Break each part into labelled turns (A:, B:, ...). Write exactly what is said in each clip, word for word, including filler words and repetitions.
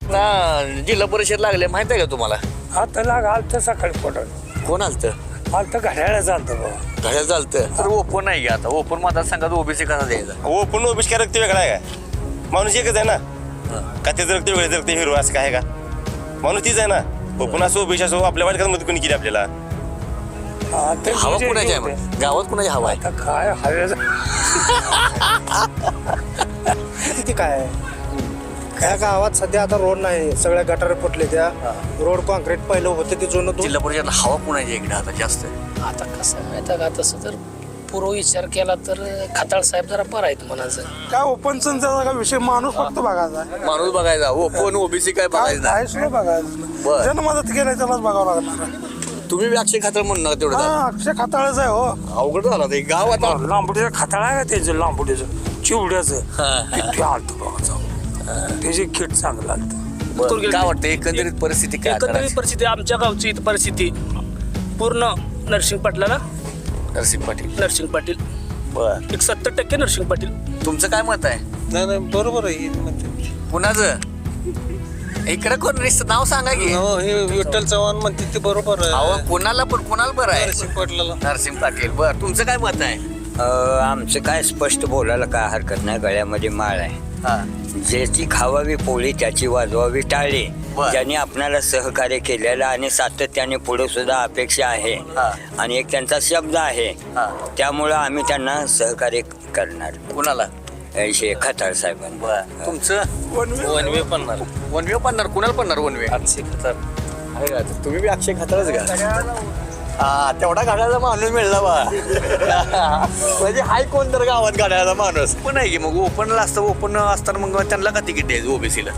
A: ना जिल्हा परिषद लागले माहित आहे का तुम्हाला?
B: आता लाग आलतं सकाळी पोटात
A: कोण आलतं?
B: आलतं घड्याळा चालतं बाबा.
A: घड्याळ चालतं तर ओपन नाही का आता? ओपन मतदारसंघात ओबीसी कसा द्यायचा?
C: ओपन ओबीसी काय रक्त वेगळा आहे का? माणूस एकच आहे ना का? त्याचं रक्त वेगळं रक्त हिरो असं काय आहे का? माणूस तीच आहे ना. ओपन असो ओबीसी असो आपल्या वाटकामध्ये कोणी केली आपल्याला?
B: हा, ते
A: हवा
B: म्हणजे
A: कुणाची आहे
B: होते.
A: मग? गावात कुणाची हवा आहे?
B: आता काय हव्याचं किती काय
D: काय गावात सध्या आता रोड नाही, सगळ्या गटार फुटले. त्या रोड कॉन्क्रीट पहिलं होतं ते जुनं तो
A: जिल्हा परिषदला हवा कुणाची इकडे आता जास्त?
E: आता कसं आहे माहिती आहे का, तसं जर पूर्व विचार केला तर खताळ साहेब जरा बरं आहेत म्हणायचं.
D: काय ओपनचा का विषय माणूस फक्त बघायचा.
A: माणूस बघायचा. ओपन ओबीसी काय बघायचं नाही.
D: काय सुद्धा बघायचं.
A: बरं.
D: ज्यानं मदत केली त्यालाच बघावं लागणार.
A: तुम्ही बी अक्षय खातर म्हणू नका तेवढं.
D: हा, अक्षय खाताळच आहे हो.
A: अवघड झाला ते गाव आता.
B: लांबुडीचं खताळ आहे का त्याचं लांबुडीचं चिवड्याचं
A: हा.
B: किती आलतं बघा जाऊ. त्याची किट चांगलं आलतं.
A: बरं, काय वाटतं एकंदरीत परिस्थिती काय
E: एकंदरीत
A: करायची?
E: परिस्थिती आमच्या गावची इथं परिस्थिती पूर्ण नरसिंग पाटलाला
A: नरसिंह पाटील.
E: नरसिंग पाटील
A: बर,
E: एक सत्तर टक्के नरसिंग पाटील.
A: तुमचं काय मत आहे?
D: नाही नाही बरोबर आहे.
A: कुणाचं? इकडे कोण रिश्त नाव सांगा की.
D: हे विठ्ठल चव्हाण म्हणते ते बरोबर
A: अहो कुणाला पण कुणाला बरं आहे?
D: नरसिंह पाटलाला.
A: नरसिंह पाटील. बर, तुमचं काय मत आहे?
F: आमचं काय स्पष्ट बोलायला काय हरकत नाही. गळ्यामध्ये माळ आहे.
A: हा.
F: ज्याची खावावी पोळी त्याची वाजवावी टाळी.
A: बर.
F: ज्यांनी आपणाला सहकार्य केलेलं आणि सातत्याने पुढे सुद्धा अपेक्षा आहे
A: हा.
F: आणि एक त्यांचा शब्द आहे.
A: हा.
F: त्यामुळं आम्ही त्यांना सहकार्य करणार.
A: कुणाला?
F: शे खताळ साहेबांना.
A: बर, तुमचं?
E: वनवे पन्नास
A: वनवे पडणार. कुणाला पडणार वनवे?
E: अक्षय खताळ.
A: आहे का? तुम्ही बी अक्षय खातारच का? हा, तेवढा गाड्याचा माणूस मिळला बा. म्हणजे हाय कोण तर गावात गाड्याचा माणूस पण आहे की. मग ओपनला असतं. ओपन असताना मग त्यांना का तिकीट द्यायचं ओबीसीला?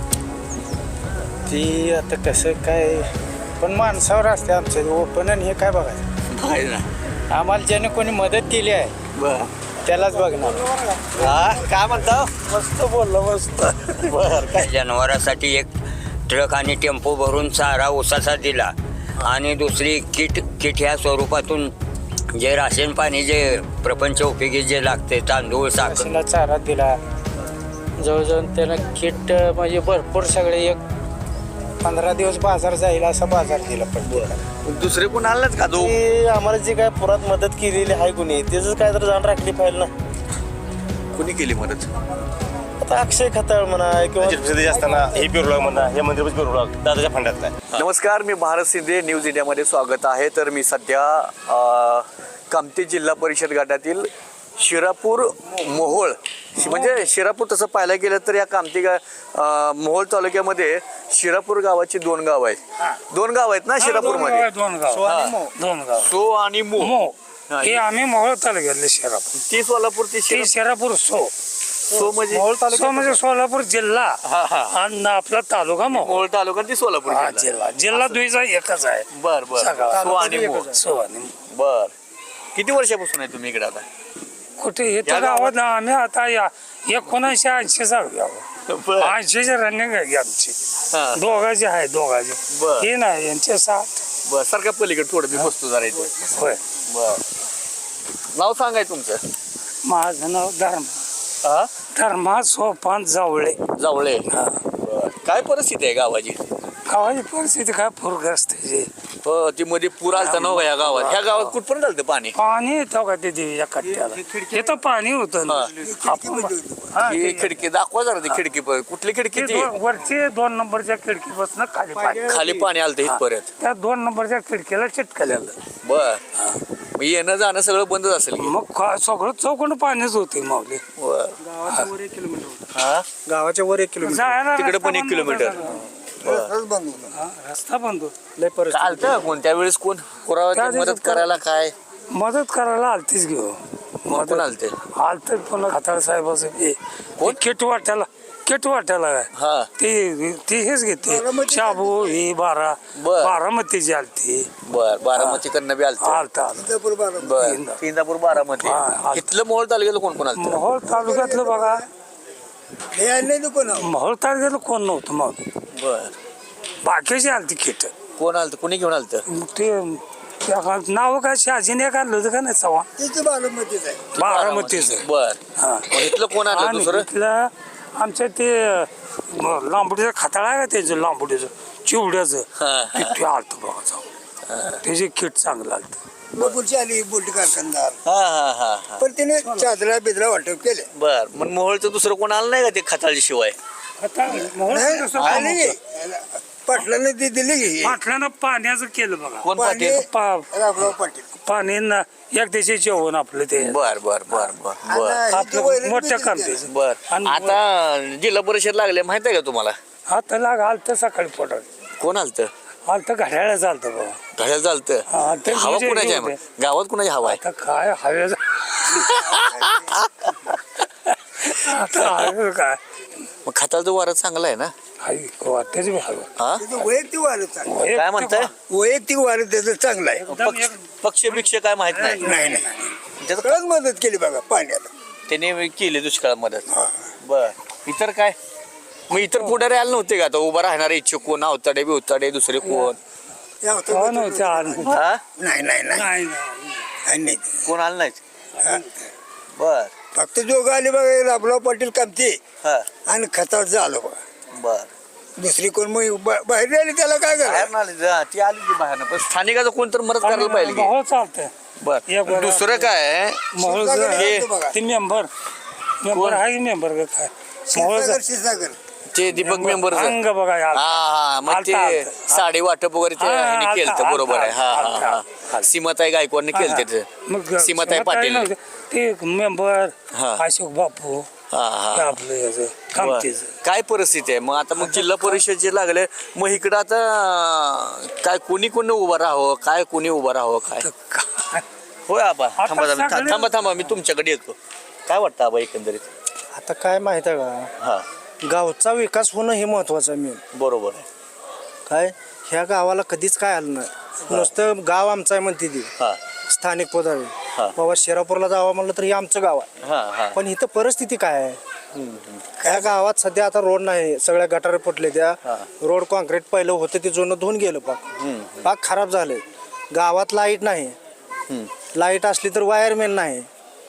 D: ती आता कसं काय पण माणसावर असते आमचं ओपन आणि हे काय बघायचं.
A: आहे ना.
D: आम्हाला ज्याने कोणी मदत केली आहे
A: बर.
D: त्यालाच बघणार.
A: हा, काय म्हणता?
D: मस्त बोललो मस्त.
A: बर, काय?
F: जनावरांसाठी एक ट्रक आणि टेम्पो भरून चारा ऊसाचा दिला आणि दुसरी किट किट ह्या स्वरूपातून जे राशन पाणी जे प्रपंच उपयोगी जे लागते तांदूळ साखर
D: म्हशीला चारा दिला. जवळजवळ त्यानं किट म्हणजे भरपूर सगळे एक पंधरा दिवस बाजार जाईल असा बाजार दिला. पण
A: दुसरे कोण आलंच का? दो
D: ते आम्हाला जी काय पुरात मदत केलेली आहे कुणी त्याच काय तर जाण राखली पाहिजे ना.
A: कोणी केली मदत?
D: आता अक्षय खताळ म्हणा किंवा
C: असताना हे पिरला म्हणा हे मंदिर पिरला दादाच्या फंडातला आहे.
A: नमस्कार, मी भारत शिंदे न्यूज इंडियामध्ये स्वागत आहे. तर मी सध्या अ, कामठी जिल्हा परिषद गटातील शिरापूर मोहोळ म्हणजे शिरापूर तसं पाहायला गेलं तर या कामठी गा अ, मोहोळ तालुक्यामध्ये शिरापूर गावाची दोन गाव आहेत. दोन गाव आहेत ना शिरापूरमध्ये?
B: दोन गाव दोन गाव
A: सो आणि मो.
B: मो
A: हा,
B: हे आम्ही मोहोळ तालुक्यातले शिरापूर.
A: ती सोलापूर ती
B: ती
A: शिरा-
B: शिरापूर सो
A: सो म्हणजे
B: सो म्हणजे सोलापूर जिल्हा
A: हा हा
B: आणि आपला तालुका मोहोळ.
A: मोहोळ तालुका ती सोलापूर
B: हा,
A: जिल्हा.
B: जिल्हा जिल्हा दुईचा एकच आहे.
A: बर बर.
B: सगळा.
A: सो आणि मो.
B: सो आणि
A: बर, किती वर्षापासून आहे तुम्ही इकडे आता?
B: कुठे हे
A: या
B: तर
A: गावात-
B: गावात आम्ही आता या एकोणीसशे ऐंशी जाऊया
A: बर.
B: ऐंशीची रनिंग आहे आमची.
A: हा.
B: दोघांची आहे दोघांची.
A: बर.
B: हे नाही यांचे सात.
A: बर, सारखा पलीकडे थोडं मी बसतो जरा इथे.
B: होय.
A: बर, नाव सांगाय तुमचं?
B: माझं नाव धर्म
A: हा,
B: धर्मा सोपान जावळे.
A: जावळे.
B: हा.
A: बर, काय परिस्थिती आहे गावाची?
B: गावाची परिस्थिती काय पूरग्रस्त आहे.
A: हो, ती मध्ये पूर आलता ना या गावात. ह्या गावात कुठपर्यंत आलतं पाणी?
B: पाणी येतं का ते देवीच्या कट्ट्याला? हे तर पाणी होतं ना. आपण- हा,
A: ही
B: ते-
A: खिडकी दाखवा जरा ती खिडकी पर. कुठली खिडकी
B: ते
A: ती?
B: दोन- वरची दोन नंबरच्या खिडकीपासून खाली पाणी.
A: खाली पाणी आलतं इथपर्यंत.
B: त्या दोन नंबरच्या खिडकीला चिटकलेलं.
A: बर, मग येणं जाणं सगळं बंदच असेल की?
B: मग का- सगळं चौकण पाणीच होते माऊली.
A: बर. हा,
D: गावाच्या वर एक किलोमीटर
B: जायला
A: तिकडे
B: रस्ता
A: पण एक
B: बंद
A: किलोमीटर.
B: होता.
A: बर.
B: हा, रस्ता बंद होता.
D: लय परिस्थिती.
A: चालतं कोणत्या वेळेस कोण पुरावा
B: त्या
A: मदत
B: दिवसात
A: करायला काय?
B: मदत करायला आलतीच घेऊ.
A: मग कोण आलते?
B: आलत पुन्हा खताळ साहेबाचं हे
A: कोण?
B: किट वाट्याला किट वाट्याला काय
A: हा.
B: ते ते हेच घेते शाबू ही बारा
A: बर.
B: बारामतीची आलती.
A: बर, बारामती कडनं बी आलतं.
B: आलता आलता.
A: बर, इंदापूर बारामती.
B: हा, आलतं.
A: इथलं मोहोळ तालुक्याला कोण कोण आलतं?
B: मोहोळ तालुक्यातलं बघा मोहोळ तालुक्यातलं कोण नव्हतं मग
A: बर,
B: बाकीची आलती किट.
A: कोण आलतं? कुणी घेऊन आलतं?
B: मग ते नाव काय शहाजीने काढलं होतं का नाही चव्हाण बारामतीच.
A: बर,
B: हा.
A: मग इथलं कोण आलं
B: आणि
A: दुसरं?
B: इथलं आमच्या ते मग लांबुडीचं खताळ आहे का त्याचं लांबुडीचं चिवड्याचं
A: हा.
B: किती आलतं बघा जाऊ त्याचे किट चांगलं आलतं
G: पुढची आली बोलटी कारखानदार
A: हा हा हा हा
G: पण तिने चादरा बिदरा वाटप केले
A: बर मग मोहोळचं दुसरं कोण आलं नाही का ते खताळी शिवाय
G: आली पाटलाने ती दिली की
B: पाटल्यानं पाण्याचं केलं बघा
A: कोण
G: पाणी
A: पाटील
B: पा-
G: रामराव पाटील
B: पाणी न- एक त्याचे जेवण आपलं ते
A: बर बर बर बर बर
G: आणि
B: आपलं
G: इथे वैरण
B: मोठ्या
G: बी
B: काम
G: दिली
B: त्याचं.
A: बर
B: आणि
A: आता जिल्हा परिषद लागले माहित आहे का तुम्हाला
B: आता लाग आलतं सकाळी पोटात
A: कोण आलत
B: आलतं घड्याळ चालतं बघा
A: घड्याळ चालत
B: हा, ते
A: हवा
B: म्हणजे
A: कुणाची आहे
B: होते.
A: मग? गावात कुणाची हवा आहे
B: आता काय हवेचं आता हवेचं काय
A: मग खताळचं वारं चांगलं आहे ना
B: हवी वाटतेच बी हवं
A: हा
G: त्याचं वैयक्तिक वारं चांगलं
B: एक
A: काय म्हणताय
G: वैयक्तिक वारं त्याचं चांगलं आहे
B: एकदम
A: पक्ष पक्ष बिक्ष काय माहित नाही
G: नाही नाही
A: त्याचं
G: सगळ्यात मदत केली बघा पाण्याला
A: त्याने केली दुष्काळ मदत बर इतर काय मग इतर पुढारी आले नव्हते का आता उभा राहणारे इच्छुक कोण अवताडे बिवताडे दुसरे कोण
G: या होतं
B: हो नव्हते आलं.
A: हा
G: नाही नाही नाही
B: नाही नाही.
G: नाही, नाही
A: कोण आलं नाहीत
G: हा.
A: बर
G: फक्त दोघं आले बघा रामराव पाटील कामते
A: हा
G: आणि खताचं आलं बघा
A: बर
G: दुसरी कोण मग बा- बाहेर आली त्याला काय
A: बाहेर
G: करा
A: नाले जा, ती आली की बाहेर पण स्थानिकाचं कोण तर मदत करायला पाहिजे की.
B: मोहोळ चालतंय
A: बर
B: एक बरं.
A: दुसरं काय
B: मोहोळ
G: हे बघा
B: ते मेंबर मेंबर आहे मेंबर का काय मोहोळ
G: क्षीरसागर क्षीरसागर
A: ते दीपक मेंबर हा
B: अंग बघा यार
A: हा मग ते
B: आलता, आलता.
A: साडी वाटप वगैरे ते
B: हा,
A: ह्यांनी
B: आलता,
A: केलं
B: आलता,
A: बरोबर आहे हा हा
B: आलता,
A: हा
B: आलता.
A: सीमाताई गायकवाडने केलं ते
B: मग
A: सीमाताई पाटील
B: नव्हते. ते मेंबर
A: हा.
B: अशोक बापू
A: हा
B: ते
A: हा
B: आपलं याचं
A: बर.
B: कामतीचं
A: काय परिस्थिती आहे मग आता मग जिल्हा परिषद जे लागले मग इकडं आता अं, काय कोणी कोणी उभं राहावं काय कोणी उभं राहावं काय
B: काय
A: होय आबा
B: आता
A: थांबा थांबा
B: सगळे-
A: थांबा थांबा मी तुमच्याकडे येतो काय वाटतं आबा एकंदरीत
D: आता काय माहित आहे का
A: हा
D: गावचा विकास होणं हे महत्वाचं आहे मेन
A: बरोबर आहे
D: काय ह्या गावाला कधीच काय आलं नाही नुसतं गाव आमचं आहे म्हणते ती
A: हा
D: स्थानिक पदावी
A: हा.
D: बाबा शिरापूरला जावं म्हणलं तर हे आमचं गाव आहे
A: हा हा
D: पण इथं परिस्थिती काय आहे ह्या गावात सध्या आता रोड नाही सगळ्या गटारे फुटले त्या
A: हा.
D: रोड कॉन्क्रीट पहिलं होतं ते जुनं धुवून गेलं पाक पाक खराब झाले गावात लाईट नाही लाईट असली तर वायरमॅन नाही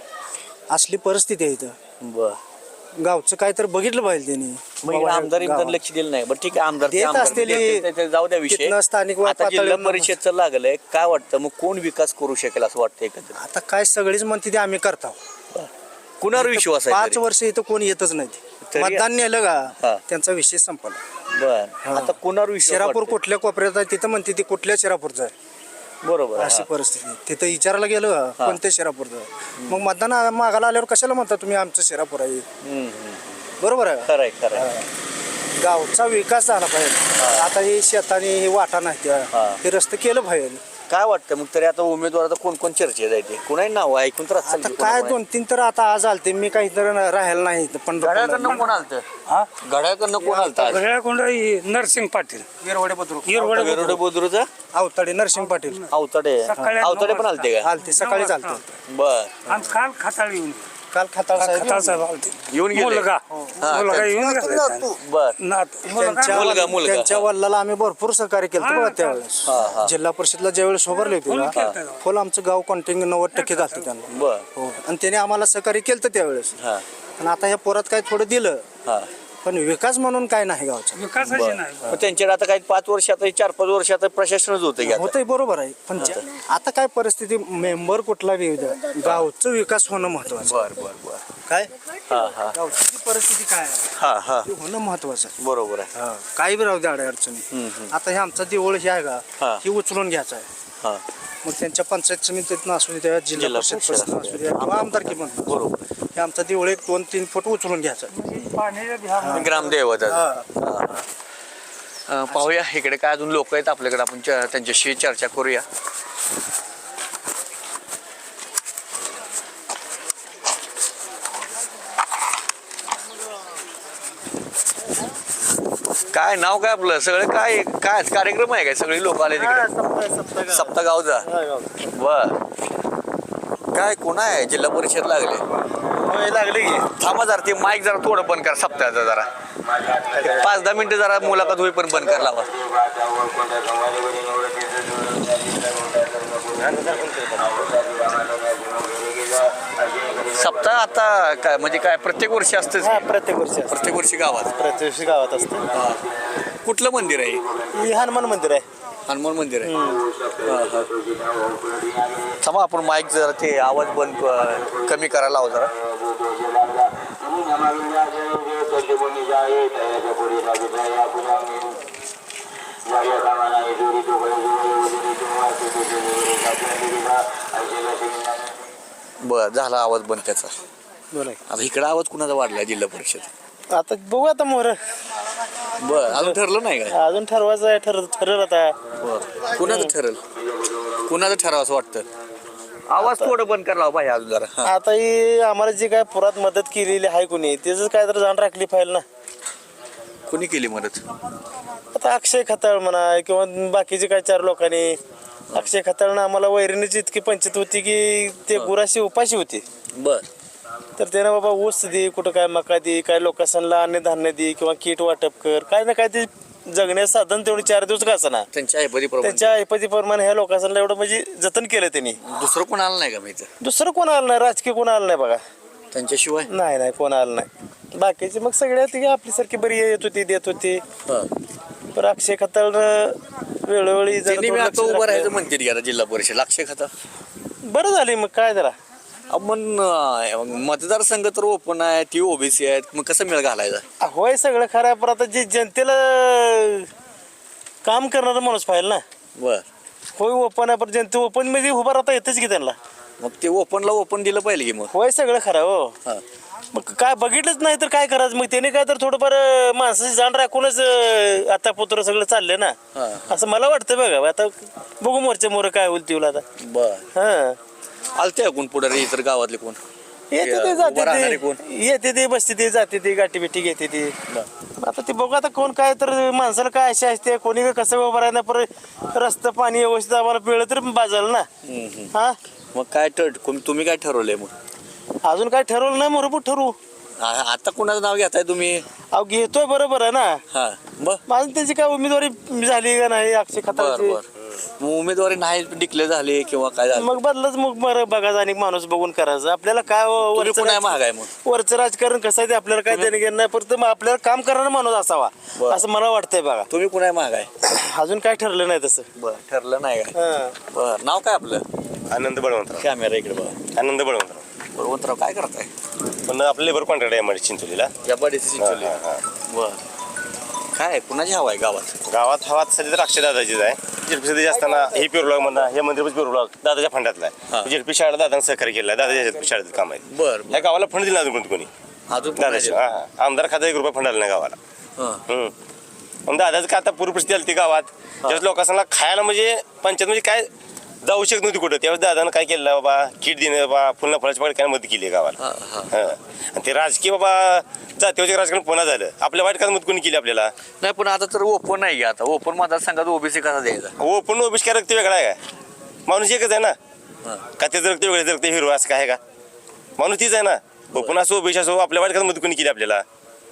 D: असली परिस्थिती आहे इथं
A: बर
D: गावचं काय तर बघितलं पाहिजे त्यांनी
A: मग
D: बाबा
A: आमदार इमदार
D: गावात.
A: लक्ष दिलं नाही बरं ठीक आहे आमदार ते
D: देत
A: आमदार
D: असतील,
A: देतील, ते- ते जाऊ द्या विषय
D: तिथनं स्थानिक
A: आता जिल्हा
D: पातळीवर-
A: परिषदचं लागलंय काय वाटतं मग कोण विकास करू शकेल असं वाटतं एकंदरीत
D: आता काय सगळीच म्हणते ते आम्ही करतो
A: कुणावर विश्वास आहे
D: पाच
A: तरी?
D: वर्ष इथं कोण येतच नाही
A: तरी-
D: मतदान नेलं
A: हा.
D: का त्यांचा विषय संपला
A: बर आता कुणावर विश्वास
D: शिरापूर
A: वाटतोय?
D: कुठल्या कोपऱ्यात आहे तिथं म्हणते ती कुठल्या शिरापूरचं आहे
A: बरोबर आहे,
D: अशी
A: हा.
D: परिस्थिती तिथं विचारायला गेलं का, कोणत्या शिरापूरचं आहे? मग मतदान मागायला आल्यावर कशाला म्हणता तुम्ही आमचं शिरापूर आहे
A: हम्म, हम्म.
D: बरोबर आहे
A: खरंय खरंय
D: गावचा विकास झाला पाहिजे आता हे शेताने हे वाटा नाही त्या
A: हा.
D: हे रस्ते केलं पाहिजे
A: काय वाटतं मग तरी आता उमेदवार आता कोण कोण चर्चेत जायचे कुणाही नाव ऐकून तर
D: आता काय दोन तीन तर आता आज आलते मी काही तर राहायला नाही
A: घड्याळकडनं
D: पंढरपूरला.
A: कोण आलतं
B: हा
A: घड्याळकडनं कोण आलतं आज?
B: घड्याळकोंड नरसिंग पाटील
D: येरवडे बुद्रुक.
B: येरवडे
A: वेरुळे बुद्रुकचा
D: अवताडे नरसिंग पाटील
A: अवतडे
B: सकाळी
A: अवतडे
B: नऊ
A: पण आलते का
D: आलते सकाळी चालते
A: बर
B: आणि काल खताळ येऊन
D: काल खताळ साहेब
B: खताळ साहेब आलते
A: येऊन गेले?
B: मुलगा
A: हा,
B: मुलगा
A: त्या-
B: येऊन
G: नातू,
B: गेला
G: नातू.
A: बर
B: नात मुलगा
D: त्यांच्या
A: मुलगा, मुलगा,
D: त्यांच्या
A: हा.
D: वडिलाला आम्ही भरपूर सहकार्य केलं
B: हा,
D: बघा
B: हा.
D: त्यावेळेस
A: हा, हा.
D: जिल्हा परिषदला ज्यावेळेस उभारले होते
B: फुल
D: ना,
B: केलतं.
D: फुल आमचं गाव कॉन्टिन्यू नव्वद टक्के घालतं त्यांना
A: बर
D: हो आणि त्याने आम्हाला सहकार्य केलं त्यावेळेस
A: हा
D: आणि आता ह्या पोरात काय थोडं दिलं
A: हा
D: पण विकास म्हणून काय नाही गावचा
B: विकासाची नाही
A: मग त्यांच्याकडे आता काही पाच वर्ष आता चार पाच वर्ष आता प्रशासनच होतं की आता.
D: होतंय बरोबर आहे पण ज्या- आता काय परिस्थिती मेंबर कुठला बी येऊ द्या गावचं विकास होणं महत्वाचं
A: बर बर बर
D: काय
A: हा हा
D: गावची जी परिस्थिती काय आहे
A: हा हा
D: ते होणं महत्वाचं आहे
A: बरोबर आहे
D: हा, काही बी राहू द्या अडे अडचणी आता हे आमचा देऊळ हे आहे
A: हा.
D: का ही उचलून घ्यायचा आहे
A: हा
D: मग त्यांच्या पंचायत समितीतनं असू द्या जिल्हा
A: जिल्हा
D: परिषद
A: परिषद
D: परिषद असू द्या किंवा आमदारकी म्हणून
A: बरोबर
D: हे आमचा देऊळ एक दोन तीन फूट उचलून घ्यायचा आहे.
B: पाण्याच्या ध्यान
A: ग्रामदेव
D: हा.
A: पाहूया इकडे काय अजून लोक आहेत आपल्याकडे आपण च- त्यांच्याशी चर्चा करूया काय नाव काय आपलं सगळं काय काय कार्यक्रम आहे काय सगळी लोक आले तिकडे सप्ता गावचा बर काय कोण आहे जिल्हा परिषद लागले
C: लागले की
A: थांबा जरा ते माईक जरा थोडं बंद कर सप्ताहाचं जरा एक पाच दहा मिनिटं जरा मुलाखत होईपर्यंत बंद कर लावा सप्ताह आता काय म्हणजे काय प्रत्येक वर्षी असतं
D: हा प्रत्येक वर्षी असतं.
A: प्रत्येक वर्षी गावात
D: प्रत्येक वर्षी गावात असतं.
A: कुठलं मंदिर आहे?
D: हे हनुमान मंदिर आहे.
A: हनुमान मंदिर आहे. हा, हा. थांबा आपण माईक जरा ते आवाज बंद अं, कमी करायला लावा जरा. बर झाला आवाज बंद त्याचा.
D: बोला
A: आता इकडे आवाज कुणाचा वाढला जिल्हा परिषद?
D: आता बघू आता मोर
A: बर अजून ठरलं नाही काय?
D: अजून ठरवायचं आहे. ठर ठरलं आता.
A: बर कुणाचं ठरल? कुणाचं ठराव असं वाटतं? आवाज थोडं बंद करायला हवा पाहिजे अजून जरा. हा.
D: आता ही आम्हाला जी काय पुरात मदत केलेली आहे कोणी त्याच काय तर जाण राखली पाहिजे ना.
A: कोणी केली मदत?
D: आता अक्षय खताळ म्हणा किंवा बाकीचे काय चार लोकांनी. अक्षय खताळनं आम्हाला वैरणीची इतकी पंचायत होती की ते गुराशी उपाशी होती.
A: बर
D: तर त्यानं बाबा ऊस दे, कुठं काय मका दे, काय लोकांना अन्नधान्य दे किंवा किट वाटप कर, काय ना काय ते जगण्याचं साधन तेवढे चार दिवस का असना
A: त्यांच्या ऐपतीप्रमाणे.
D: त्यांच्या ऐपतीप्रमाणे ह्या लोकांना एवढं म्हणजे जतन केलं त्यांनी.
A: दुसरं कोण आलं नाही का माहिती?
D: दुसरं कोण आलं नाही, राजकीय कोण आलं नाही बघा.
A: त्यांच्याशिवाय
D: नाही नाही कोण आलं नाही. बाकीचे मग सगळ्या ती आपल्यासारखी बरी येत होती देत होती. पण अक्षय खताळ वेळोवेळी जरा
A: त्यांनी मी
D: थोडं
A: आता
D: लक्ष
A: उभं
D: राखलं.
A: राहायचं म्हणते की आता जिल्हा परिषद अक्षय खाता.
D: बरं झाली मग काय जरा
A: आपण अं, मतदारसंघ तर ओपन आहे, ती ओबीसी आहेत, मग कसं मेळ घालायचा?
D: होय सगळं खरं आहे. पण आता जे जनतेला काम करणारा माणूस पाहिजे ना.
A: बर
D: होय ओपन आहे पण जनते ओपन मध्ये उभं राहता येतच की त्यांना.
A: मग ते ओपनला ओपन दिलं पाहिजे की मग.
D: होय सगळं खरं हो.
A: हा.
D: मग काय बघितलंच नाही तर काय करायचं मग त्याने काय तर थोडंफार अं, माणसाची जाण राखूनच अं, आता पुत्र सगळं चाललंय ना.
A: हा.
D: असं मला वाटतं बघा. आता बघू मोर्चा मोर काय होईल तिला आता.
A: बर
D: हा
A: आलते कोण पुढे इतर गावातले कोण?
D: येते ते
A: उभं
D: जाते
A: राहणारे
D: ते
A: कोण?
D: येते ते बसते ते जाते ते गाठी बिठी घेते ते. आता ते बघू आता कोण काय तर माणसाला काय अशी असते कोणी काय कसं उभं राहणार परत रस्ता पाणी व्यवस्थित आम्हाला पिळलं तर बाजारला ना. हा
A: मग काय ठर तुम्ही काय ठरवलंय मग?
D: अजून काय ठरवलं नाही मोरपूर ठरवू.
A: आ- आता कुणाचं नाव घेताय तुम्ही?
D: अहो घेतोय बरोबर आहे ना.
A: हा बर
D: माझं त्याची काय उमेदवारी झाली का नाही अक्षय
A: बर
D: खताळची.
A: बर मग उमेदवारी नाही डिक्लेअर झाली किंवा काय झालं?
D: मग बदलच मग बरं बघायचं आणि माणूस बघून करायचं. आपल्याला काय व-
A: तुम्ही
D: वरचं
A: पुन्हा
D: राज-
A: महाग आहे मग.
D: वरचं राजकारण कसं आहे ते आपल्याला काय देणं घेणं नाही. फक्त मग आपल्याला काम करणारा माणूस असावा
A: बरं.
D: असं मला वाटतंय बघा.
A: तुम्ही कुणा महाग आहे?
D: अजून काय ठरलं नाही तसं.
A: बर ठरलं नाही काय?
D: हा.
A: बर नाव काय आपलं?
C: आनंद बळवंतराव.
A: कॅमेरा इकडे बघा.
C: आनंद बळवंतराव.
A: बळवंतराव काय करताय?
C: पण आपलं लेबर कॉन्ट्रॅक्ट आहे मध्ये चिंचोलीला.
A: या बडीची
C: हा, हा, हा.
A: बर काय कुणाची हवा आहे गावात?
C: गावात हवात सध्या तर अक्षय दादाचीच आहे. जेडपी सध्या असताना हे पिरब्लॉग म्हणा हे मंदिर पिरब्लॉग दादाच्या फंडातला
A: हा.
C: आहे. जेडपी शाळेला दादानं सहकार्य केलं आहे. दादाच्या शाळेत काम आहे.
A: बर
C: या गावाला फंड दिला अजून कोणी
A: अजून
C: दादाच्या हा हा. आमदार खाता एक रुपया फंड आला नाही गावाला.
A: हा.
C: हम्म. मग दादाचं काय आता पूर्व परिस्थिती आली ती गावात ज्यावेळेस लोकांना खायला म्हणजे पंचायत म्हणजे काय जाऊ शकत नव्हती कुठं. त्यावेळेस दादानं काय केलं बाबा किट देणं बाबा फुलना फळाच्या पाकळी काय मदत केली आहे गावाला.
A: हा, हा.
C: हा. आणि ते राजकीय बाबा जातीवरचे राजकारण पुन्हा झालं. आपल्या वाईट कामात मदत कोणी केली आपल्याला?
A: नाही पण आता तर ओपन नाही की आता ओपन मतदारसंघात ओबीसी कसा द्यायचा?
C: हो पण ओबीसी काय रक्त वेगळा आहे का? माणूस एकच आहे ना.
A: हा.
C: का त्याचं रक्त वेगळं रक्त हिरवा असं काय आहे का? माणूस तीच आहे ना. ओपन असो ओबीसी असो आपल्या वाईट कामात मदत कोणी केली आपल्याला?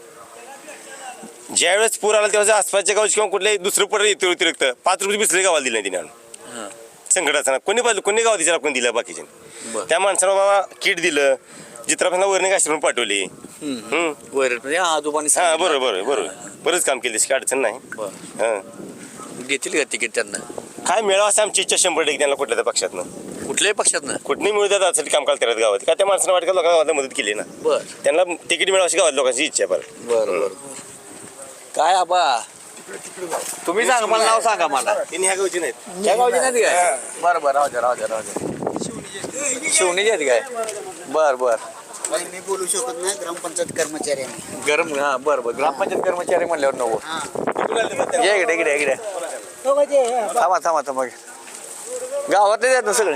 C: ज्यावेळेस पूर आला तेव्हा आसपासच्या गावची किंवा कुठल्याही दुसरं पडलं येते अतिरिक्त पाच रुपये बिसरे गावाला दिले नाही तिने आणून.
A: हा.
C: संकटाचं ना कोणी पाहिलं कोणी गाव तिच्या आपण दिलं बाकीचे.
A: बरं.
C: त्या माणसाला बाबा किट दिलं चित्रापासून वरणी आश्रम पाठवली. हम्म.
A: वर म्हणजे आजोबांनी
C: हा
A: सांगितलं.
C: बरोबर बरोबर बरोबर बरंच काम केलं काही अडचण नाही.
A: बरं.
C: हा.
A: देतील का तिकीट त्यांना?
C: काय मिळावं असं आमची इच्छा शंभर टक्के त्यांना कुठल्या त्या पक्षातनं
A: कुठल्याही पक्षात ना?
C: कुठली मिळू देतात त्यासाठी काम करतात गावात का त्या माणसानं वाटतं लोकांना गावाला मदत केली ना.
A: बर
C: त्यांना तिकीट मिळावं अशी गावात लोकांची इच्छा आहे परत.
A: बर बर काय आबा तुम्ही सांगा मला नाव सांगा मला.
C: त्यांनी ह्या गावची नाहीत.
A: त्या गावची नाही काय? बरं बरं राहू द्या राहू द्या राहू द्या. शिवणीची आहेत काय? बर बर
H: मी बोलू शकत नाही ग्रामपंचायत कर्मचारी आहे.
A: गरम हा बरं बरं ग्रामपंचायत कर्मचारी म्हणल्यावर नव्वद ये इकडे इकडे इकडे थांबा थांबा थांबा गावातलेच आहेत ना सगळे?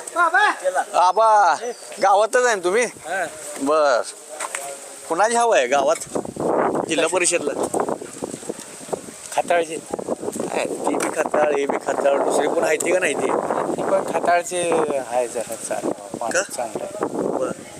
A: आबा गावातच आहे ना तुम्ही? बर कुणाची हवा आहे गावात जिल्हा परिषदला?
B: खताळचे
A: ती बी खताळ हे बी खताळ दुसरी कोण आहे ती का नाही ती?
B: ती पण खताळचे आहे जरा चांगलं
A: का?
B: चांगलं आहे.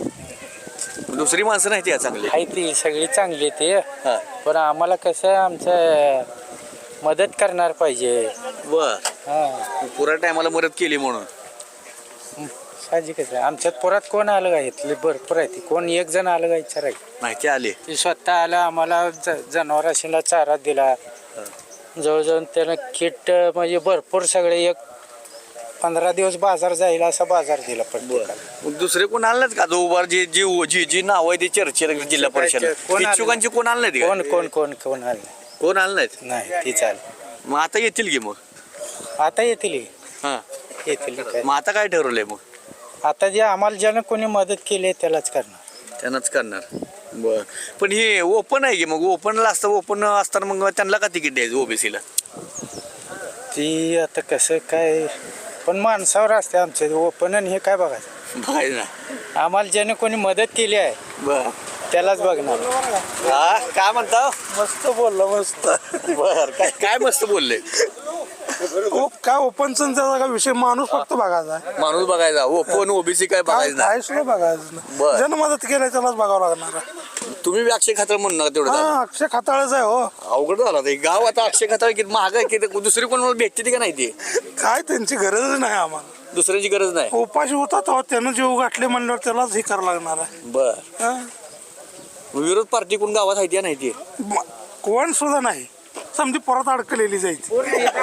A: बर दुसरी माणसं नाही ती या चांगली?
B: आहे ती सगळी चांगली आहे ते.
A: हा
B: पण आम्हाला कसं आहे आमचं मदत करणार पाहिजे.
A: बर
B: हा
A: पुरा टायमाला मदत केली म्हणून
D: साहजिकच आहे. आमच्यात पुरात कोण आलं का इथले भरपूर आहे ती कोण एक जण आलं का विचारायचं
A: माहिती आली
D: ती स्वतः आलं आम्हाला ज जनावराशीला चारा दिला जवळजवळ त्यानं किट म्हणजे भरपूर सगळे एक पंधरा दिवस बाजार जाईल असा बाजार दिला प्रत्येकाला.
A: दुसरे कोण आले नाहीत का जो उभार जी जी जी जी नाव आहे ती चर्चेला जिल्हा परिषद
D: कोण आलं?
A: इच्छुकांची कोण आले नाहीत
D: कोण
A: का?
D: कोण कोण कोण आलं
A: कोण आले नाहीत
D: नाही ती चालेल
A: मग आता येतील की मग
D: आता येतील ही.
A: हा
D: येतील काय.
A: मग आता काय ठरवलंय मग
D: आता जे आम्हाला ज्यानं कोणी मदत केली आहे त्यालाच करणार.
A: त्यांनाच करणार बर पण हे ओपन आहे की मग ओपनला असतं ओपन असताना मग त्यांना का तिकीट द्यायचं ओबीसीला
D: ती आता कसं काय पण माणसावर असते आमचे ओपन आणि हे काय बघायचं
A: बघायचं ना
D: आम्हाला ज्याने कोणी मदत केली आहे
A: बर
D: त्यालाच बघणार.
A: हा काय म्हणता
D: मस्त बोललो मस्त.
A: बर काय काय मस्त बोलले
B: काय ओपनचा काय विषय माणूस फक्त बघायचा
A: माणूस बघायचा ओपन ओबीसी काय बघायचं ना
B: सुद्धा बघायचं
A: बर.
B: ज्यानं मदत केली त्यालाच बघावं लागणार.
A: तुम्ही बी अक्षय खातर म्हणू नका तेवढं झालं.
B: अक्षय खाताळच आहे हो.
A: अवघड झाला ते गाव आता अक्षय खातर किती महाग आहे किती दुसरी कोण मला भेटते ती का नाही ती
B: काय त्यांची गरजच नाही आम्हाला.
A: दुसऱ्याची गरज नाही
B: उपाशी होता तेव्हा त्यानं जीव गाठले म्हणल्यावर त्यालाच हे करावं लागणार आहे.
A: बर
B: हा?
A: विरोध पार्टी कोण गावात आहे ती नाही ती
B: म- कोण सुद्धा नाही समजी परत अडकलेली जायची.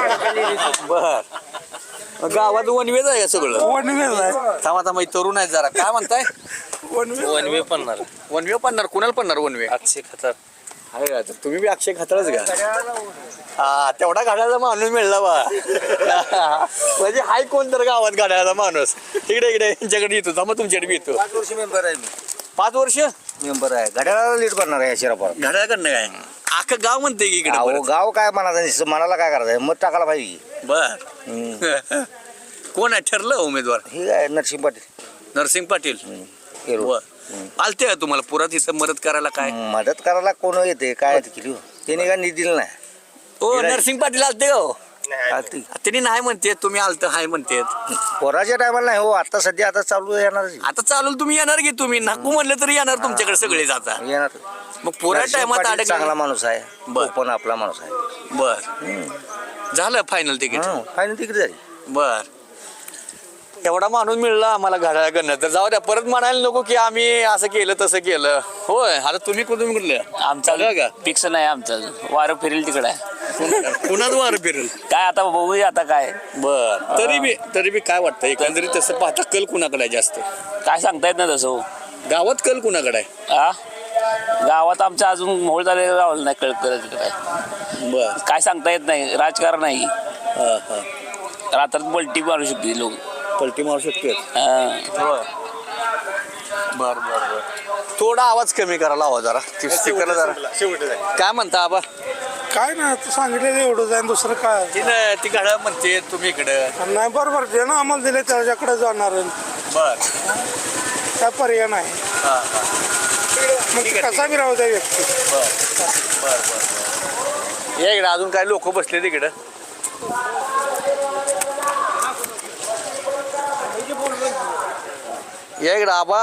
A: बर गावात वनवेज आहे सगळं
B: वनवेज आहे.
A: थांबा थांबा इथं तरुण आहेत जरा काय म्हणताय
B: वनवेज
A: वनवे पडणार वनवे पडणार कुणाला पडणार वनवे
D: अक्षय खतर
A: आहे का तर तुम्ही बी अक्षय खातरच का हा तेवढा गाड्याचा माणूस मिळला बा म्हणजे हाय कोण तर गावात गाड्याचा माणूस इकडे इकडे यांच्याकडे येतो थांबा तुमच्याकडे बी येतो
H: पाच वर्ष मेंबर आहे मी
A: पाच वर्ष
H: मेंबर आहे घड्याळाला लीड करणार आहे शिरापूर.
A: घड्याळकडनं काय अख्खं गाव म्हणते की इकडे
H: अहो
A: परत.
H: गाव काय म्हणायचं मनाला काय करायचं मत टाकायला पाहिजे.
A: बर कोण आहे ठरलं उमेदवार
H: हे काय नरसिंह पाटील
A: नरसिंग पाटील
H: केलो.
A: बर आलते का तुम्हाला पुरात इथं मदत करायला काय
H: मदत करायला कोण येते काय केली त्याने काय निधी दिला नाही.
A: हो नरसिंग पाटील आलते का हो
H: आलती.
A: त्यांनी नाही म्हणते तुम्ही आलत हाय म्हणते
H: पोराच्या टायमाला नाही हो आता सध्या आता चालू येणार
A: आता चालू तुम्ही येणार की तुम्ही नाकू म्हणलं तरी येणार तुमच्याकडे सगळे जाता
H: येणार.
A: मग पुऱ्या
H: नरसिंह
A: टायमात
H: पाटील चांगला
A: अडकला
H: माणूस आहे
A: बर.
H: पण आपला माणूस आहे.
A: बर झालं फायनल तिकीट
H: फायनल तिकीट झाली.
A: बर एवढा माणूस मिळला आम्हाला घड्याळ करणं तर जाऊ द्या परत म्हणायला नको की आम्ही असं केलं तसं केलं होय आता तुम्ही कुठून म्हटलं
E: आमचा
A: का
E: फिक्स नाही आमचं वारं फिरेल तिकडे आहे.
A: कुणाच वार फिरेल
E: काय आता बघूया आता काय
A: बर तरी बी तरी बी काय वाटतं एकंदरीत तसं पाहता कल कुणाकडे आहे जास्त
E: काय सांगता येत नाही तसं हो.
A: गावात कल कुणाकडे आहे
E: आ गावात आमच्या अजून मोहोळ झालेलं राहिलं नाही कळत कळत काय
A: बर
E: काय सांगता येत नाही राजकारण नाही
A: हा हा
E: रात्रात पलटी मारू शकते लोक.
A: पलटी मारू शकते
E: हा.
A: बर बर बर थोडा आवाज कमी करायला हवा जरा स्पीकरला जरा काय म्हणता आबा
B: काय नाही तू सांगितलेलं एवढंच आहे दुसरं काय
A: तिनं ती गाड्या म्हणते तुम्ही इकडं
B: नाही. बरोबर जे ना आम्हाला दिले त्याच्याकडे जाणार आहे.
A: बर
B: काय पर्याय नाही.
A: हा हा
B: मग ते कसा बी राहू द्या व्यक्ती.
A: बर बर बर या इकडे अजून काय लोक बसले तिकडं या इकडं आबा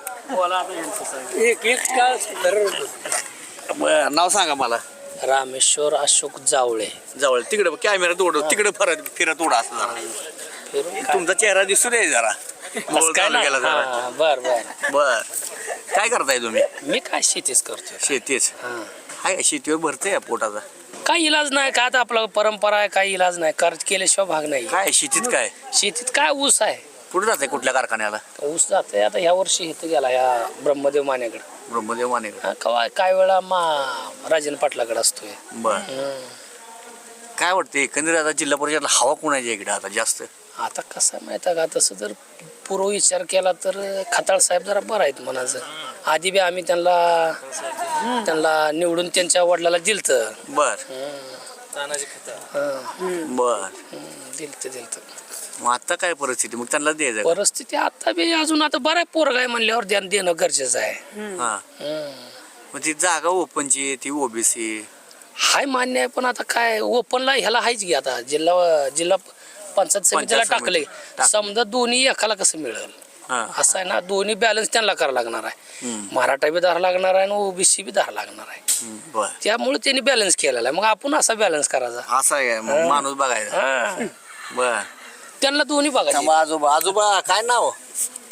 A: बर नाव सांगा मला
E: रामेश्वर अशोक जावळे.
A: जवळ तिकडे कॅमेरा उडव तिकडे फिरत फिरत उडा असं जरा तुमचा चेहरा दिसू दे जरा मोहोळ तालुक्याला जरा
E: हा, बर बर
A: बर काय करताय तुम्ही
E: मी काय शेतीच करतोय.
A: शेतीच
E: हा.
A: हाय शेतीवर भरते या पोटाचा
E: काय इलाज नाही काय आता आपला परंपरा आहे काय इलाज नाही कर्ज केल्याशिवाय भाग नाही.
A: काय शेतीत काय
E: शेतीत काय ऊस आहे
A: कुठे जाते कुठल्या कारखान्याला
E: ऊस जाते आता ह्या वर्षी इथं गेला ह्या ब्रह्मदेव मानेकडे.
A: ब्रह्मदेव माने
E: हा, कवा काय वेळा मा राजन पाटलाकडे असतोय.
A: बर काय वाटतं एकंदरीत आता जिल्हा परिषदला हवा कोणाच्या इकडे आता जास्त
E: आता कसं आहे माहिती आहे का तसं जर पूर्व विचार केला तर खताळ साहेब जरा बरं आहेत म्हणायचं. आधी बी आम्ही त्यांना त्यांना निवडून त्यांच्या वडिलाला दिलतं.
A: बर बर
E: दिलतं दिलतं
A: मग आता काय परिस्थिती मग त्यांना द्यायचं का?
E: परिस्थिती आता बी अजून आता बरं आहे पोरग आहे म्हणल्यावर ध्यान देणं गरजेचं आहे.
A: हा
E: हम्म.
A: मग ती जागा ओपनची ती ओबीसी
E: हाय मान्य आहे पण आता काय ओपनला ह्याला आहेच की आता जिल्हा जिल्हा पंचायत समितीला
A: पंचायत
E: टाकले
A: समिती.
E: समजा दोन्ही एकाला कसं मिळेल
A: हा
E: असं आहे ना. दोन्ही बॅलन्स त्यांना करावं लागणार आहे. मराठा बी धरा लागणार आहे आणि ओबीसी बी धरा लागणार आहे.
A: बर
E: त्यामुळे त्यांनी बॅलन्स केलेला आहे. मग आपण असा बॅलन्स करायचा.
A: असं आहे मग माणूस बघायचा
E: हा
A: बर
E: त्यांना दोन्ही बघायचं.
A: आजोबा आजोबा काय नाव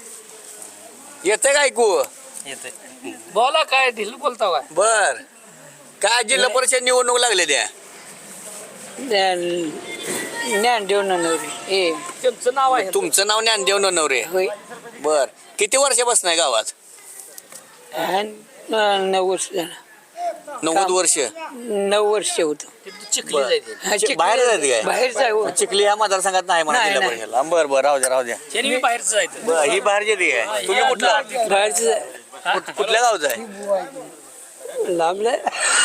A: येतंय का ऐकू?
E: बोला काय ढिल बोलता काय
A: बर काय जिल्हा परिषद निवडणूक लागले त्या
D: ज्ञानदेव ननवरे हे
E: त्यांचं नाव आहे
A: तुमचं नाव ज्ञानदेव नवरे
D: होय
A: बर किती वर्षापासून आहे गावात?
D: नऊ वर्ष झालं
A: नव्वद वर्ष
D: नऊ वर्ष होतं
E: चिखली जायचे
D: हा, चिखली-
A: बाहेर जायचं काय?
D: बाहेरचं आहे हो.
A: चिखली ह्या मतदारसंघात नाही म्हणा
D: नाही,
A: जिल्हा
D: नाही.
A: परिषदला बर बर राहू द्या राहू द्या
E: त्यांनी मी बाहेरचं जायचं
A: बर ही बाहेर येते काय तुम्ही कुठला
D: बाहेरचं आहे.
A: कुठ- कुठल्या गावचा आहे?
D: लांबलं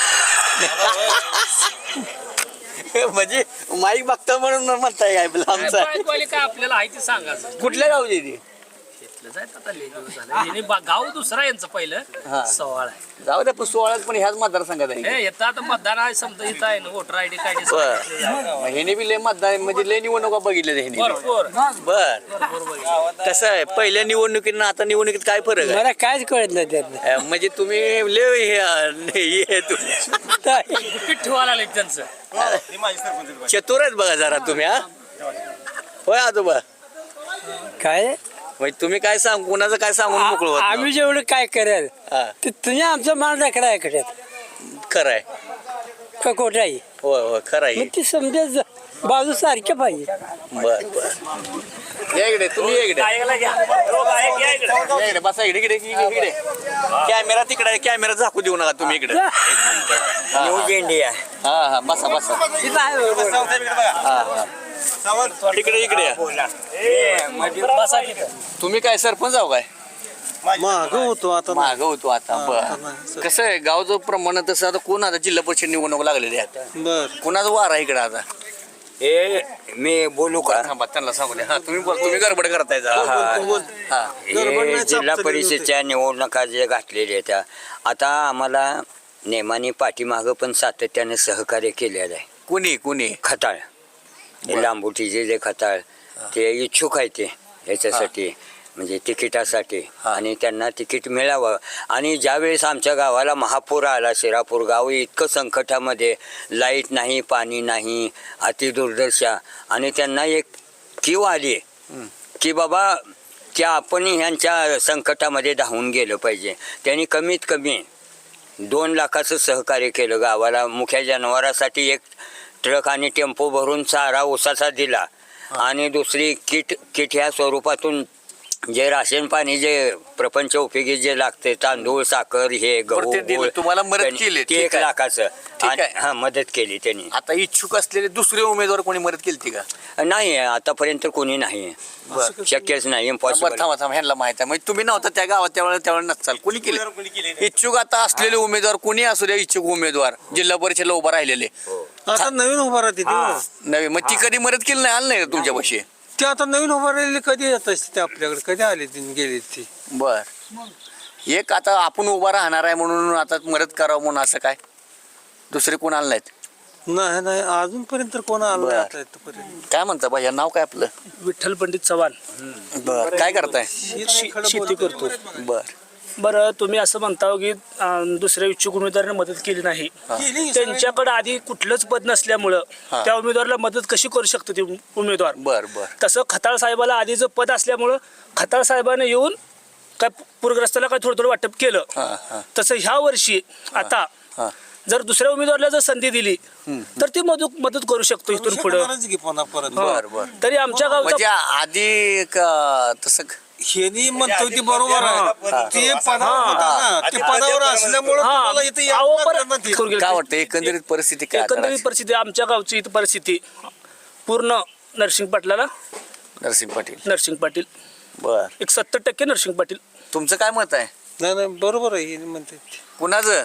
A: म्हणजे माईक बघता म्हणून म्हणताय काय आमचा
E: बायकोवाले काय आपल्याला आहे ते सांगायचं
A: कुठल्या गावची ती
E: इथलं जायचं आता लय दिवस झाले. यांनी बा- गाव दुसरा यांचं
A: हा.
E: पहिलं सवाळ आहे
A: जाऊ द्या पण सोहळ्यात पण ह्याच मतदारसंघात आहे
E: हे येतं आता मतदान आहे समजा इथं आहे ना वोटर आयडी काय
A: बर मग ह्याने बी लय मतदार म्हणजे लय निवडणुका बघितल्या ह्याने बी.
E: भरपूर
A: बर कसं आहे पहिल्या निवडणुकीत आता निवडणुकीत काय फरक आहे
D: मला कायच कळत नाही त्यातलं
A: अं, म्हणजे तुम्ही लय हे- हे तुम्ही
E: गुपित ठेवायला लागले त्यांचं
A: चतुर आहेत बघा जरा तुम्ही हा होय आजोबा
D: काय
A: म्हणजे तुम्ही काय सांग कोणाचं काय सांगून मोकळ होत
D: आम्ही जेवढं काय करेल
A: हा,
D: ते तुम्ही आमचा मान राखला आहे कशात
A: खरं आहे
D: का खोटा आहे
A: होय होय खरं आहे
D: मग ती समजा बाजू सारख्या पाहिजे
A: बर बर या इकडे तुम्ही या इकडे या इकडे बसा इकडे इकडे इकडे इकडे कॅमेरा तिकडे आहे, कॅमेरा झाकू देऊ नका तुम्ही इकडे
F: न्यूज इंडिया
A: हा हा बसा बसा हा हा इकडे इकडे या. तुम्ही काय सरपंच आहो काय
G: माग होतो आता
A: माग होतो आता बर कसं आहे गावचं प्रमाण तसं आता कोण आता जिल्हा परिषद निवडणूक लागलेली आहे
G: बर
A: कोणाचं वार आहे इकडे आता
F: हे मी बोलू का
A: थांबा त्यांना सांगू द्या हा तुम्ही बोल तुम्ही गडबड करताय जरा. हा
F: हे जिल्हा परिषदच्या निवडणुका जे घातलेल्या त्या आता आम्हाला नेमाने पाठीमागं पण सातत्याने सहकार्य केलेलं आहे.
A: कुणी कुणी
F: खताळ हे लांबुटीचे जे खताळ ते इच्छुक आहे ते ह्याच्यासाठी म्हणजे तिकिटासाठी
A: हा.
F: आणि त्यांना तिकीट मिळावं. आणि ज्यावेळेस आमच्या गावाला महापूर आला शिरापूर गाव इतकं संकटामध्ये लाईट नाही पाणी नाही अतिदुर्दशा आणि त्यांना एक कीव आली की बाबा की आपण ह्यांच्या संकटामध्ये धावून गेलं पाहिजे. त्यांनी कमीत कमी दोन लाखाचं सहकार्य केलं गावाला. मुख्य जनावरासाठी एक ट्रक आणि टेम्पो भरून चारा ऊसाचा दिला आणि दुसरी किट किट ह्या स्वरूपातून जे राशन पाणी जे प्रपंच उपयोगी जे लागते तांदूळ साखर हे गहू
A: बरं, ते दिलं.
F: गूळ,
A: तुम्हाला मदत
F: त्यांनी-
A: केली.
F: ते
A: ठीक
F: एक
A: आहे.
F: लाखाचं
A: ठीक
F: आणि-
A: आहे.
F: हा मदत केली त्यांनी.
A: आता इच्छुक असलेले दुसरे उमेदवार कोणी मदत केली का
F: नाही आतापर्यंत कोणी नाही
A: बरं.
F: शक्यच नाही
A: बरं
F: इम्पॉसिबल.
A: थांबा थांबा ह्यांना माहित आहे म्हणजे तुम्ही नव्हता त्या गावात त्यावेळेला त्यावेळेला नसाल कोणी केले इच्छुक आता असलेले उमेदवार कोणी असू द्या इच्छुक उमेदवार जिल्हा परिषदला उभा राहिलेले
G: आता नवीन उभा राहते ते
A: नवी मग ती कधी मदत केली नाही आलं नाही का तुमच्यापाशी
G: ते आता नवीन उभा राहिलेले कधी येत असते ते आपल्याकडे कधी आले ते गेले ते
A: बर एक आता आपण उभा राहणार आहे म्हणून आता मदत करावं म्हणून असं काय दुसरे कोण आलं नाहीत
G: नाही नाही अजूनपर्यंत तर कोण आलं
A: बर.
G: नाही आता इथपर्यंत.
A: काय म्हणता भैया नाव काय आपलं
B: विठ्ठल पंडित चव्हाण
A: बर काय करताय
B: शेती करतो.
A: बर
B: बरं तुम्ही असं म्हणता की अं, दुसऱ्या इच्छुक उमेदवाराने मदत केली नाही त्यांच्याकडे आधी कुठलंच पद नसल्यामुळं
A: हा.
B: त्या उमेदवाराला मदत कशी करू शकतो ते उमेदवार.
A: बर बर
B: तसं खताळ साहेबाला आधीचं पद असल्यामुळं खताळ साहेबाने येऊन काय पूरग्रस्ताला काय थोडं थोडं वाटप केलं.
A: हा हा
B: तसं ह्या वर्षी आता
A: हा
B: जर दुसऱ्या उमेदवाराला जर संधी दिली तर ती मदत मदत करू शकतो इथून पुढे.
G: शकणारच की पुन्हा परत
A: बर बर
B: तरी आमच्या
A: म्हणजे
B: गावचा
A: आधी का तसं
G: हेनी म्हणतो ती बरोबर आहे ते पदावर होता ना ते पदावर असल्यामुळे
B: हा.
G: तुम्हाला इथे
B: अहो,
G: यावं
B: पर-
G: लागलं ना ते.
B: करू गेलं.
A: काय वाटतं एकंदरीत परिस्थिती काय आता
B: एकंदरीत परिस्थिती आमच्या गावची इथं परिस्थिती पूर्ण नरसिंग पाटलाला
A: नरसिंह पाटील
B: नरसिंग पाटील
A: बर
B: एक सत्तर टक्के नरसिंग पाटील.
A: तुमचं काय मत आहे
G: नाही नाही बरोबर आहे हे म्हणते
A: कुणाचं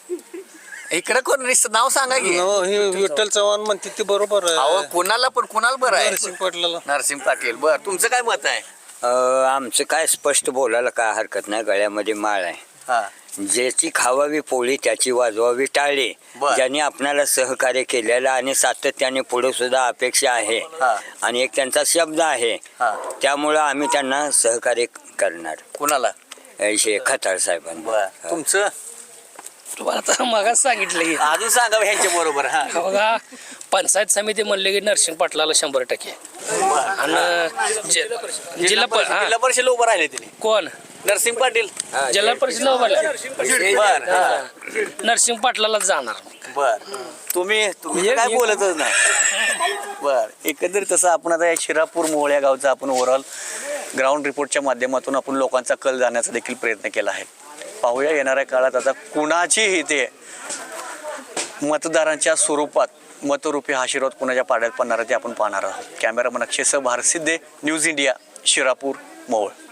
A: इकडे कोण नुसतं नाव सांगा की
G: नव, हे विठ्ठल चव्हाण म्हणते ते बरोबर
A: अहो
G: आहे
A: कुणाला पण कुणाला बरं आहे
G: नरसिंह पाटलाला
A: नरसिंह पाटील बर तुमचं काय मत आहे
F: अं, आमचं काय स्पष्ट बोलायला काय हरकत नाही. गळ्यामध्ये माळ आहे.
A: हा
F: ज्याची खावावी पोळी त्याची वाजवावी टाळी.
A: बर.
F: ज्यांनी आपणाला सहकार्य केलेलं आणि सातत्याने पुढे सुद्धा अपेक्षा आहे
A: हा.
F: आणि एक त्यांचा शब्द आहे
A: हा.
F: त्यामुळं आम्ही त्यांना सहकार्य करणार.
A: कुणाला
F: हे खताळ साहेबांना.
A: बर तुमचं
E: तुम्हाला तर मगाच सांगितलं की
A: अजून सांगा ह्यांच्या बरोबर हा
E: बघा पंचायत समिती म्हणले की नरसिंह पाटलाला शंभर टक्के आणि जे- जिल्हा प- हा.
A: जिल्हा परिषद उभं राहिले तिने
E: कोण
A: नरसिंग पाटील
E: जिल्हा परिषद उभारला
A: बर
E: नरसिंग पाटलालाच जाणार
A: बर तुम्ही तुम्ही काय बोलतच नाही बर एकंदरीत तसं आपण आता या शिरापूर मोहोळ या गावचा आपण ओव्हरऑल ग्राउंड रिपोर्टच्या माध्यमातून आपण लोकांचा कल जाण्याचा देखील प्रयत्न केला आहे. पाहूया येणाऱ्या काळात आता कुणाचीही ते मतदारांच्या स्वरूपात मतरूपी आशीर्वाद कुणाच्या पाड्यात पडणार ते आपण पाहणार आहोत. Cameraman Akshay Bharsiddhe, news India, Shirapur Mohol.